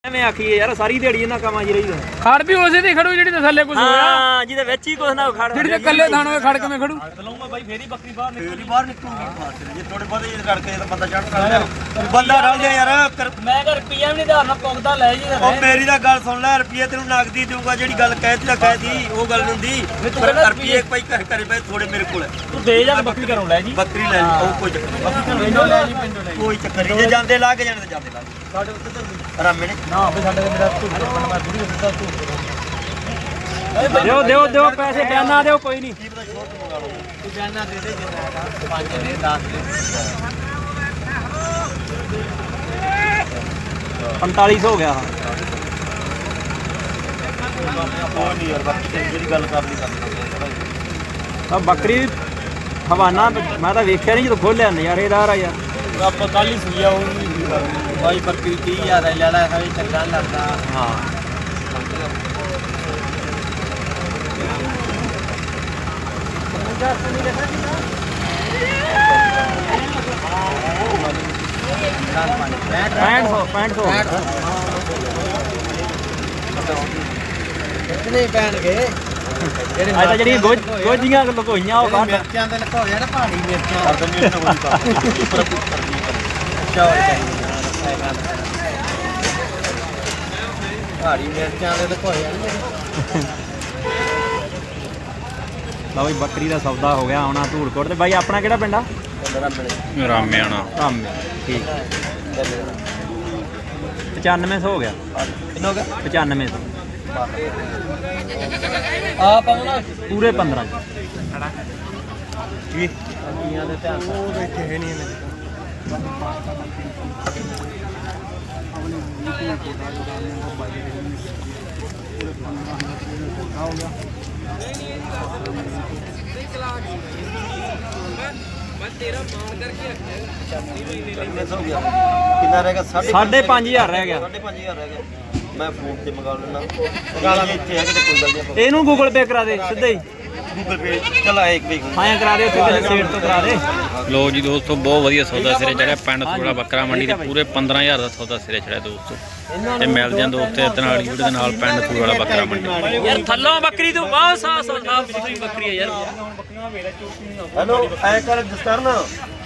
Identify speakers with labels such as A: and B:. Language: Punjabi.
A: ਐਵੇਂ ਆਖੀਏ ਯਾਰ ਸਾਰੀ ਦਿਹਾੜੀ ਇਹਨਾਂ ਕੰਮਾਂ 'ਚ ਰਹੀਦਾ।
B: ਖੜ ਵੀ ਉਸੇ ਤੇ ਖੜੂ ਜਿਹੜੀ ਤੇ ਥੱਲੇ ਕੁਝ ਹੋਇਆ।
A: ਹਾਂ ਜਿਹਦੇ ਵਿੱਚ ਹੀ ਕੁਛ ਨਾ ਖੜ
B: ਜਿਹੜੀ ਤੇ ਕੱਲੇ ਥਾਣ ਹੋਏ ਖੜ ਕਿਵੇਂ ਖੜੂ?
A: ਲਊਂਗਾ ਬਾਈ ਫੇਰ ਹੀ ਬੱਕਰੀ ਬਾਹਰ ਨਿਕਲੂਗੀ। ਜੇ ਥੋੜੇ ਬਹੁਤੇ ਜੇ ਕਰਕੇ ਤਾਂ ਬੰਦਾ ਚੜ੍ਹ ਸਕਦਾ। ਬੰਦਾ ਰਲ ਜਾ ਯਾਰ। ਮੈਂ ਕਿਹਾ ਰੁਪਈਆ ਵੀ ਨਹੀਂ ਧਾਰਨਾ ਪੁੱਗਦਾ ਲੈ ਜੀ। ਉਹ ਮੇਰੀ ਤਾਂ ਗੱਲ ਸੁਣ ਲੈ, ਰੁਪਈਆ ਤੈਨੂੰ ਨਗਦੀ ਦੇਊਗਾ। ਜਿਹੜੀ ਗੱਲ ਕਹਿਤੀ ਤਾਂ ਕਹਿਤੀ, ਉਹ ਗੱਲ ਨਹੀਂ ਹੁੰਦੀ। ਰੁਪਈਏ ਭਾਈ ਘਰੇ ਪਏ ਥੋੜੇ ਮੇਰੇ ਕੋਲ ਤੂੰ ਦੇ ਜਾ ਬੱਕਰੀ ਘਰੋਂ ਲੈ ਜੀ। ਬੱਕਰੀ ਲੈ ਲਈ ਉਹ ਕੋਈ ਚੱਕਰ ਨਹੀਂ। ਪਿੰਡੋਂ ਲੈ ਜੀ ਪਿੰਡੋਂ ਲੈ ਕੋਈ ਚੱਕਰ ਨਹੀਂ। ਜੇ ਜਾਂਦੇ ਲਾ ਕੇ ਜਾਣੇ ਤਾਂ ਜਾਂਦੇ ਲਾ ਸਾਡੇ ਉੱਤੇ ਤਾਂ ਰਾਮੇ ਨੇ ਨਾ ਬਈ ਸਾਡੇ ਮੇਰਾ ਝੂਠ ਬਣ ਮੈਂ ਬੁੜੀ ਸਿੱਧਾ ਝੂਠ ਦਿਓ ਪੈਸੇ ਬਿਆਨਾ ਦਿਓ ਕੋਈ ਨਹੀਂ। ਤੂੰ ਬਿਆਨਾ ਦੇ ਦੇ ਜਿੰਨਾ 5 ਦੇ 10 ਦੇ 4500 ਹੋ ਗਿਆ। ਕੋਈ ਨਹੀਂ ਯਾਰ ਬਾਕੀ ਜਿਹੜੀ ਗੱਲ ਕਰਨੀ ਕਰਨੀ। ਬੱਕਰੀ ਹਵਾਨਾ ਮੈਂ ਤਾਂ ਵੇਖਿਆ ਨਹੀਂ ਜਦੋਂ ਖੋਲਿਆ ਨਜ਼ਾਰੇਦਾਰ ਆ ਯਾਰ। ਆਪਾਂ ਕੱਲ ਹੀ ਸੁਈਆ ਉਹ ਭਾਈ ਬੱਕਰੀ 30000 ਦਾ ਲੈਣਾ ਹੈ ਚੰਗਾ ਲੱਗਦਾ। ਹਾਂ ਕਿੰਨੇ ਪੈਣਗੇ ਜਿਹੜੀ ਗੋਝੀਆਂ ਲੁਕੋਈਆਂ ਉਹ ਬਾਹਰ ਮਿਰਚਾਂ ਦੇ ਲੁਕੋਏ ਨਾ ਪਹਾੜੀ ਮਿਰਚਾਂ ਪਹਾੜੀ ਮਿਰਚਾਂ ਦੇ ਲੁਕੋਏ ਲਓ ਵੀ ਬੱਕਰੀ ਦਾ ਸੌਦਾ ਹੋ ਗਿਆ। ਆਉਣਾ ਧੂੜਕੋਟ ਤੇ ਬਾਈ ਆਪਣਾ ਕਿਹੜਾ ਪਿੰਡ ਆ?
B: ਰਾਮਿਆਣਾ।
A: ਰਾਮੇ ਠੀਕ 9500 ਹੋ ਗਿਆ। ਕਿੰਨਾ ਹੋ ਗਿਆ? 9500 ਆ ਪਾਉਣਾ ਪੂਰੇ 15 ਜੀ ਦੀਆਂ ਦੇ ਧਿਆਨ ਉਹ ਦੇਖੇ ਹੈ ਨਹੀਂ ਮੇਰੇ ਕਿੰਨਾ ਰਹਿ ਗਿਆ? 5500 ਰਹਿ ਗਿਆ। 5500 ਰਹਿ ਗਿਆ। ਮੈਂ ਫੋਨ ਤੇ ਮੰਗਾ ਲੈਣਾ। ਇੱਥੇ ਆ ਕਿਤੇ ਕੋਈ ਗੱਲ ਨਹੀਂ। ਇਹਨੂੰ ਗੂਗਲ ਪੇ ਕਰਾ ਦੇ ਸਿੱਧਾ ਹੀ। ਗੂਗਲ ਪੇ ਚਲਾ ਇੱਕ ਵੀ ਹਾਂ ਕਰਾ ਦੇ ਸਿੱਧੇ ਸੇਟ ਤੋਂ ਕਰਾ ਦੇ।
B: ਲੋ ਜੀ ਦੋਸਤੋ ਬਹੁਤ ਵਧੀਆ ਸੌਦਾ ਸਿਰੇ ਚੜਿਆ। ਪਿੰਡ ਥੋੜਾ ਬੱਕਰਾ ਮੰਡੀ ਤੇ ਪੂਰੇ 15000 ਦਾ ਸੌਦਾ ਸਿਰੇ ਚੜਿਆ ਦੋਸਤੋ। ਤੇ ਮਿਲਦੇ ਆਂ ਦੋਸਤੇ ਇਦਾਂ ਵਾਲੀ ਵੀਡੀਓ ਦੇ ਨਾਲ ਪਿੰਡ ਥੋੜਾ ਬੱਕਰਾ ਮੰਡੀ।
A: ਯਾਰ ਥੱਲੋਂ ਬੱਕਰੀ ਤੋਂ ਬਹੁਤ ਸਾਫ ਬੱਕਰੀ ਹੈ ਯਾਰ। ਹੈਲੋ ਐ ਕਰ ਦਸਤਾਰ ਨਾ